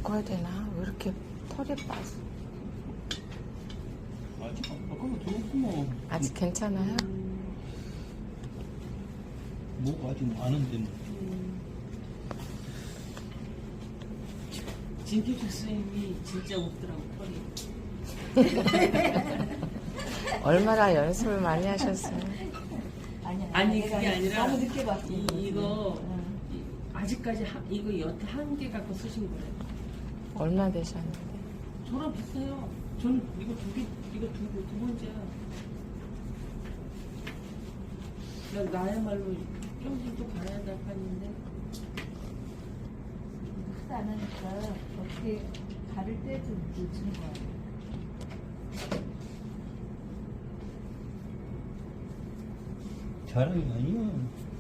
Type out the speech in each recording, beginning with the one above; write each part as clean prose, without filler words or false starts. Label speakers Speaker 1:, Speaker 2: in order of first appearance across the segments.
Speaker 1: 바꿔야 되나? 왜 이렇게 털이 빠져?
Speaker 2: 아직 안 바꿔도 좋구만.
Speaker 1: 아직 괜찮아요?
Speaker 2: 뭐가 아직 많은데 뭐.
Speaker 3: 진기표 선생님이 진짜 없더라고 털이.
Speaker 1: 얼마나 연습을 많이 하셨어요?
Speaker 3: 아니 그게 아니라
Speaker 4: 너무 늦게 봤어.
Speaker 3: 이거 아직까지 이거 여태 한 개 갖고 쓰신 거예요.
Speaker 1: 얼마 되셨는데?
Speaker 3: 저랑 비슷해요. 저는 이거 이거 두 번째야. 나야말로 평생 또 갈아야 될 판인데.
Speaker 4: 크지 않으니까 어떻게 가를 때 좀 늦추는 거야.
Speaker 2: 자랑이 아니야.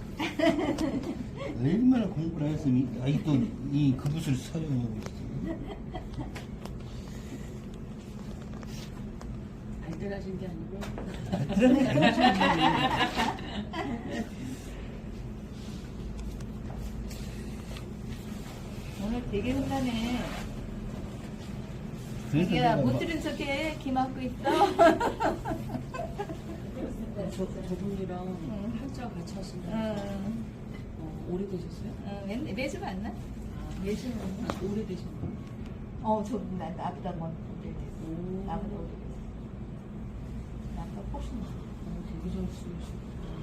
Speaker 2: 얼마나 공부를 했으면 아직도 이 그릇을 사용하고 있어.
Speaker 3: 발달하신 게 아니고.
Speaker 4: 오늘 되게 혼나네.
Speaker 2: 그래서
Speaker 4: 야,
Speaker 2: 내가
Speaker 4: 못 들은 척해. 귀 막고 있어.
Speaker 3: 저분이랑 팔자 같이 하신다. 오래되셨어요?
Speaker 4: 매주 만나?
Speaker 3: 매주 오래되셨나요?
Speaker 4: 나보다 먼저 오래됐어. 나보다 오래됐어. 나보다 훨씬 많아.
Speaker 3: 되게 잘 쓰시고.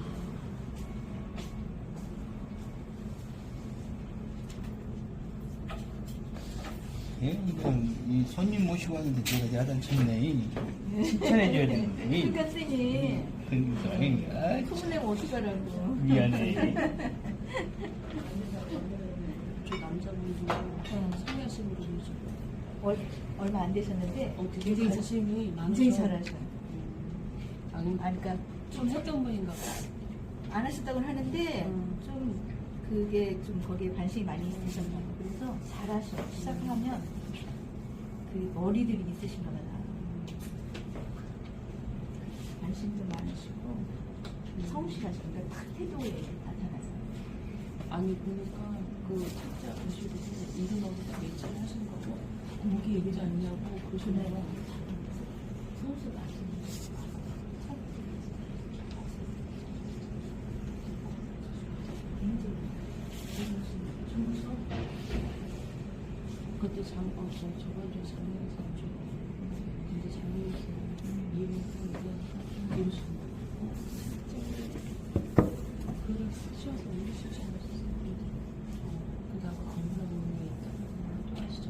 Speaker 2: 예, 이건 이 손님 모시고 왔는데 제가 야단 쳤네. 칭찬해줘야 되는데.
Speaker 4: 그러니까 선생님.
Speaker 2: 그러니까
Speaker 4: 소문내면 어떡하라고.
Speaker 2: 미안해.
Speaker 3: 저 남자분도 상하신 분이죠.
Speaker 4: 얼마 안 되셨는데
Speaker 3: 되게 관심이 많으셔.
Speaker 4: 굉장히 잘하셔요.
Speaker 3: 그러니까 좀 했던 분인가 봐.
Speaker 4: 안 하셨다고는 하는데 좀 그게 좀 거기에 관심이 많이 있으셨나 봐. 그래서 잘하셔. 시작하면 그 머리들이 있으신가 봐. 관심도 많으시고 성실하시고 그러니까 딱 태도에 나타나서.
Speaker 3: 아니 보니까 그 책자 보시고 이름하고 다 매치를 하신 거고 거기 얘기지 않냐고 그러시네요.
Speaker 4: 성수 마시는
Speaker 3: 그때 저번주에 장례에서 근데 장례에서 이름에서 이러시는 글을 씌워서 올리시지 않으셨어요? 그다가 건물에 있다고 또 하시죠.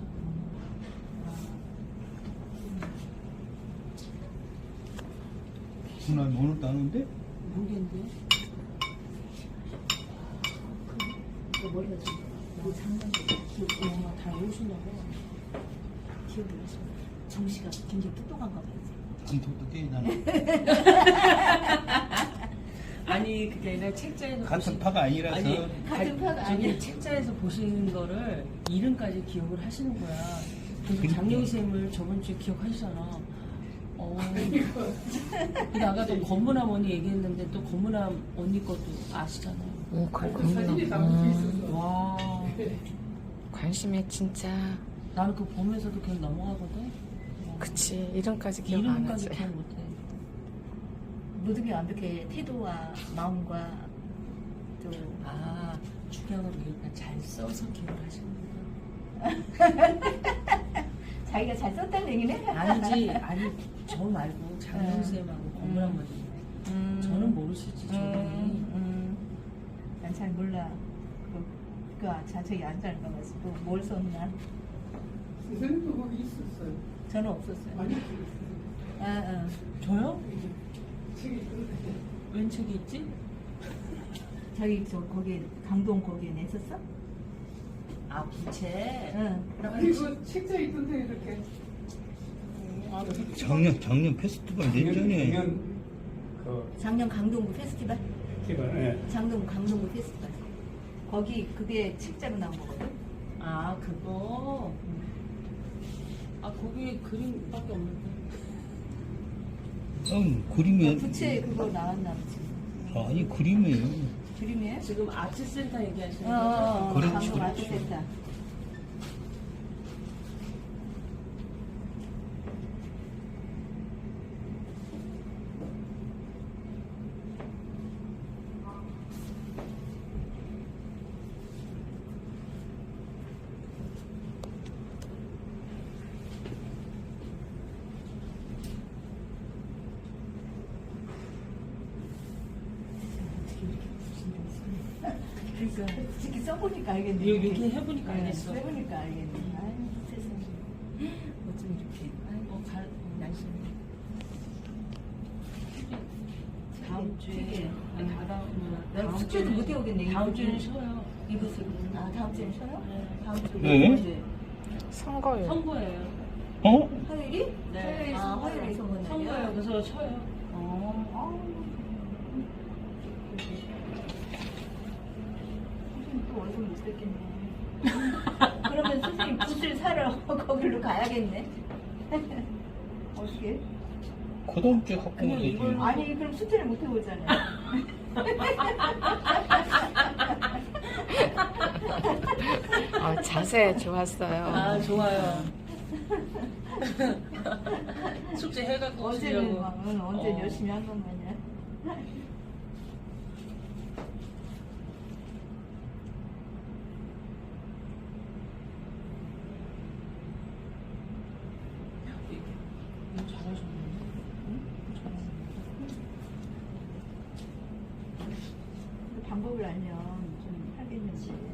Speaker 2: 누나 오늘 따는데?
Speaker 3: 모르겠는데?
Speaker 4: 머리가 좀 장난
Speaker 3: 다 외우시냐고.
Speaker 4: 기억이 나서 정씨가 굉장히 똑똑한가 봐요.
Speaker 2: 안 똑똑해 나는.
Speaker 3: 아니 그게 아니라 책자에서
Speaker 2: 같은 파가 아니라서.
Speaker 4: 같은 파가 아니야.
Speaker 3: 책자에서 보신 거를 이름까지 기억을 하시는 거야. 그래서
Speaker 2: 그러니까.
Speaker 3: 장영희 쌤을 저번 주에 기억하시잖아. 근데 아까 또 건문함 언니 얘기했는데 또 건문함 언니 것도 아시잖아요.
Speaker 1: 그렇구나.
Speaker 3: 와,
Speaker 1: 관심이 진짜.
Speaker 3: 나는 그거 보면서도 그냥 넘어가거든.
Speaker 1: 그치. 이름까지 기억 안 하지.
Speaker 3: 이름까지 기억 못해.
Speaker 4: 모든 게 완벽해. 태도와 마음과 또
Speaker 3: 중요한 건 그러니까 잘 써서 기억을 하시는 거야.
Speaker 4: 자기가 잘 썼다는 얘기네.
Speaker 3: 아니지, 저 말고 장영 쌤하고 건문함 언니. 저는 모르시지, 저분이.
Speaker 4: 난 잘 몰라. 저기 앉아있는 거 가지고 뭘 썼나?
Speaker 5: 선생님도 거기 있었어요.
Speaker 4: 저는 없었어요.
Speaker 5: 많이
Speaker 3: 저요?
Speaker 5: 책이 있던데.
Speaker 3: 웬 책이 있지?
Speaker 4: 저기 거기에 강동 거기에 냈었어?
Speaker 3: 부채.
Speaker 4: 응.
Speaker 5: 아니 그 책자 있던데 이렇게.
Speaker 2: 작년 페스티벌 내전에.
Speaker 4: 작년 강동구 페스티벌?
Speaker 5: 예.
Speaker 4: 강동구 페스티벌. 거기 그게 책자로 나온 거거든.
Speaker 3: 그거. 거기에 그림밖에 없는데.
Speaker 2: 그림이
Speaker 4: 부채 그거 나왔나 보지.
Speaker 2: 아니 그림이에요.
Speaker 4: 그림이에요?
Speaker 3: 지금 아트센터 얘기하시는 거죠?
Speaker 2: 그렇지,
Speaker 4: 강동
Speaker 2: 그렇지.
Speaker 4: 아트센터. 그러니까 솔직히 써보니까 알겠네.
Speaker 3: 여기 해보니까
Speaker 4: 네,
Speaker 3: 알겠어.
Speaker 4: 해보니까 알겠네. 아유 세상에. 어쩜 이렇게.
Speaker 3: 날씨는
Speaker 4: 다음 주에.
Speaker 3: 다음
Speaker 4: 숙제도 못 해오겠네.
Speaker 3: 다음 주에는 쉬어요.
Speaker 4: 이것을. 아 다음 주에는 쉬어요?
Speaker 3: 네.
Speaker 4: 다음 주에.
Speaker 2: 네.
Speaker 4: 언제?
Speaker 1: 선거요.
Speaker 3: 선거예요.
Speaker 2: 어?
Speaker 4: 화요일이?
Speaker 3: 네.
Speaker 4: 화요일이 화요일이 선거 날이야?
Speaker 3: 선거예요. 그래서 쉬어요.
Speaker 4: 선생님 또 얼굴 못 뵙겠네. 그러면 선생님 붓을 사러 거기로 가야겠네. 어떻게?
Speaker 2: 그 다음 주에 갖고
Speaker 3: 그냥
Speaker 2: 오면 되지.
Speaker 3: 이걸로-
Speaker 4: 아니 그럼 숙제를 못 해보잖아요.
Speaker 1: 자세 좋았어요.
Speaker 3: 아 좋아요. 숙제 해갖고
Speaker 4: 어제는
Speaker 3: 오시려고.
Speaker 4: 막 언제 열심히 한 것만이야.
Speaker 3: 이거 잘하셨는데? 잘하셨는데?
Speaker 4: 근데 방법을 알면 좀 하겠는데.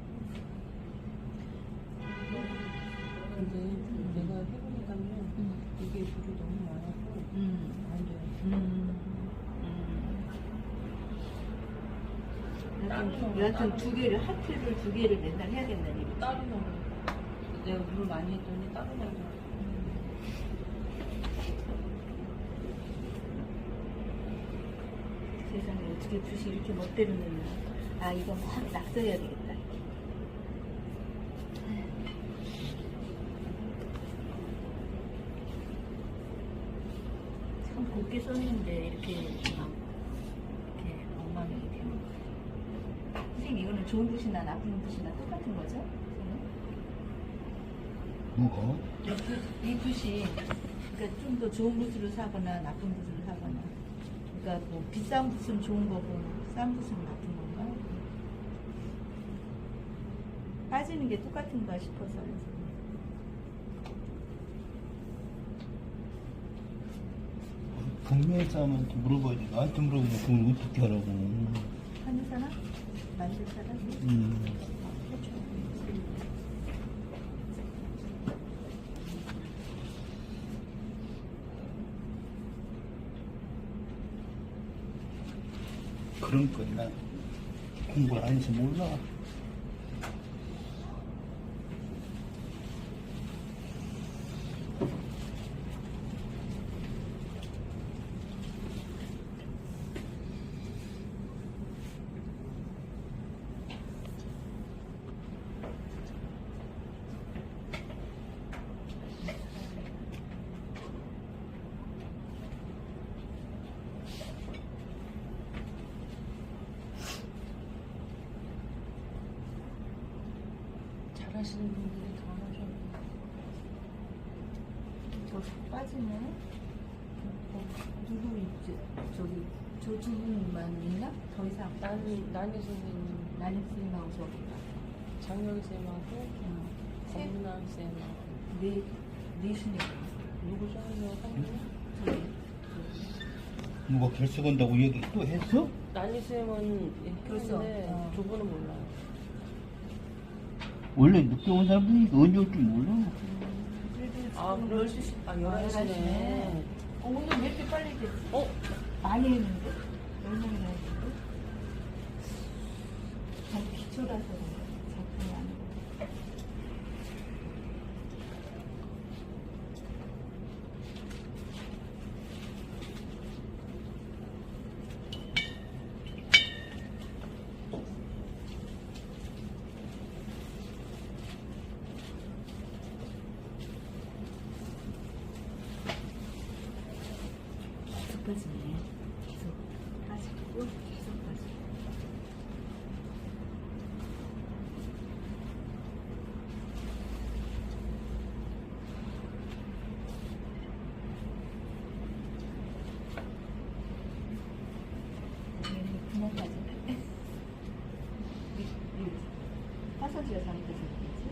Speaker 3: 근데 내가 해보니까요. 이게 물이 너무 많아서 안 돼요.
Speaker 4: 여하튼 두 개를 하트를 두 개를 맨날 해야겠다는 얘기.
Speaker 3: 따로 넣어. 내가 물을 많이 했더니 따로 넣어.
Speaker 4: 세상에 어떻게 붓이 이렇게 멋대로 넣냐. 아 이거 막 낙서해야 되겠다. 참 곱게 썼는데 이렇게 막 이렇게 엉망이 되는 거예요. 선생님 이거는 좋은 붓이나 나쁜 붓이나 똑같은 거죠?
Speaker 2: 뭐가?
Speaker 4: 이 붓이 그러니까 좀 더 좋은 붓으로 사거나 나쁜 붓으로 사거나 그러니까 뭐 비싼 붓은 좋은 거고 싼 붓은 나쁜 건가? 빠지는 게 똑같은가 싶어서
Speaker 2: 분명히 사람한테 물어봐야지. 나한테 물어보면 그걸 어떻게 하라고.
Speaker 4: 하는 사람? 만들 사람?
Speaker 2: 그런 거나 공부를 안 해서 몰라.
Speaker 3: 잘하시는 분들이 더 하셔.
Speaker 4: 저 빠지네. 누구 있지? 저기 저 두 분만 있나? 더 이상
Speaker 3: 나니 선생님,
Speaker 4: 나는 선생님하고 저기가
Speaker 3: 장영 쌤하고
Speaker 4: 셋?
Speaker 3: 권문아 쌤하고
Speaker 4: 넷이니까
Speaker 3: 누구죠?
Speaker 4: 저기
Speaker 2: 누가 결석한다고 얘기 또 했어?
Speaker 3: 나니 쌤은
Speaker 4: 그래서,
Speaker 3: 했는데 두 분은 몰라요.
Speaker 2: 원래 늦게 온 사람들이 언제 올 줄 몰라.
Speaker 4: 그래도
Speaker 3: 아,
Speaker 4: 지금
Speaker 3: 그럴
Speaker 4: 12시
Speaker 3: 아, 11시네.
Speaker 4: 오늘 왜 이렇게 빨리 됐지?
Speaker 3: 어?
Speaker 4: 많이 했는데? 얼마나 했는데? 너무 기초라서 작품이 아니고 계속 빠지네. 계속 빠지고 계속 빠지고. 구멍 빠지네. 화서지가 잘못돼서 그렇지.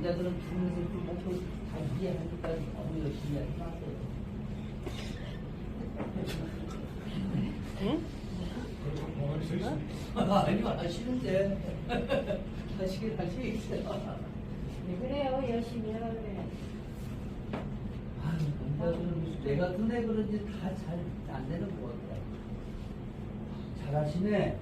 Speaker 6: 남자들은 죽는 새끼 목표 다 이해하니까 너무 열심히 하지 마세요. 아니요, 하시는데. 하시긴 하시겠어요.
Speaker 4: 그래요, 열심히 해야 돼.
Speaker 6: 아유, 남자들은 내 같은 애 그런지 다 잘 안 되는 것 같아. 잘하시네.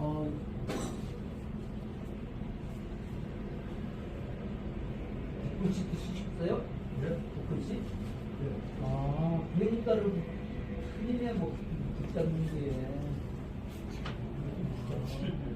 Speaker 6: 북글씨 쓰셨어요? 네. 북글씨? 네. 아, 그러니까를 틀리네, 뭐, 붙잡는 게.